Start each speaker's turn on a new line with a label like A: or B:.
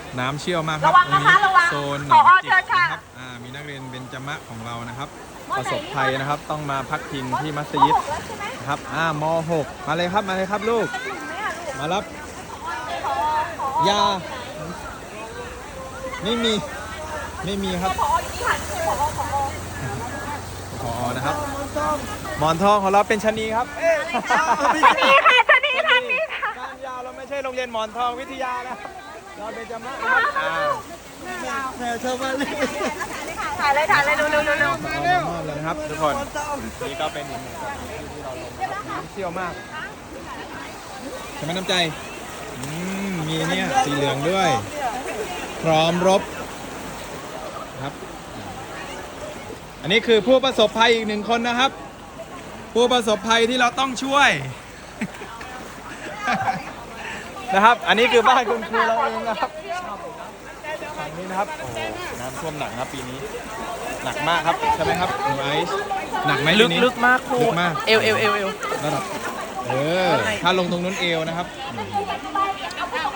A: น้ำเชี่ยวมากครับ
B: ระวัง
A: ตรง
B: นะคะ
A: นี้
B: ระวัง
A: โซนหน
B: ผ
A: อ
B: อง
A: จิก
B: เชิญค่ะ
A: นะครับมีนักเรียนเบญจมะของเรานะครับ ประสบภัยนะครับต้องมาพักพิงที่มัสยิด
B: 6แล้วใช่ไหม
A: นะครับม.6 มาเลยครับมาเลยครับลูก
B: เป็นหลุมไหมอ่ะลูก
A: มารับ
B: ผอย
A: าไม่มีครับ
B: ผออยู่ที่หันคือผอ
A: นะครับหมอนทองของเราเป็นชะนีครับเอ๊ะ
B: ชนีค่ะชนีทางนี้ค่ะ
A: การยาวเราไม่ใช่โรงเรียนหมอนทองวิทยานะครับเราเป็นจมะนะครับ
C: แม่ชาวบ้านเลย
B: ถ่ายเลยเร็ว
A: เอามามอบเลยนะครับทุกคนนี่ก็เป็นอีกหนึ่งสถานที่ที่เราลงนะครับน้ำเชี่ยวมากใช่ไหมน้ำใจมีเนี่ยสีเหลืองด้วย พร้อมรบครับอันนี้คือผู้ประสบภัยอีกหนึ่งคนนะครับ ผู้ประสบภัยที่เราต้องช่วย นะครับ อันนี้คือบ้านคุณครูเราเองนะครับฝั่งนี้นะครับโอ้โหน้ำท่วมหนักครับปีนี้หนักมากครับใช่ไหมครับหนูไอซ์หนักไหมปีนี้
C: ลึกมากครู
A: ลึกมาก
C: เอว
A: ระดับถ้าลงตรงนู้นเอวนะครับ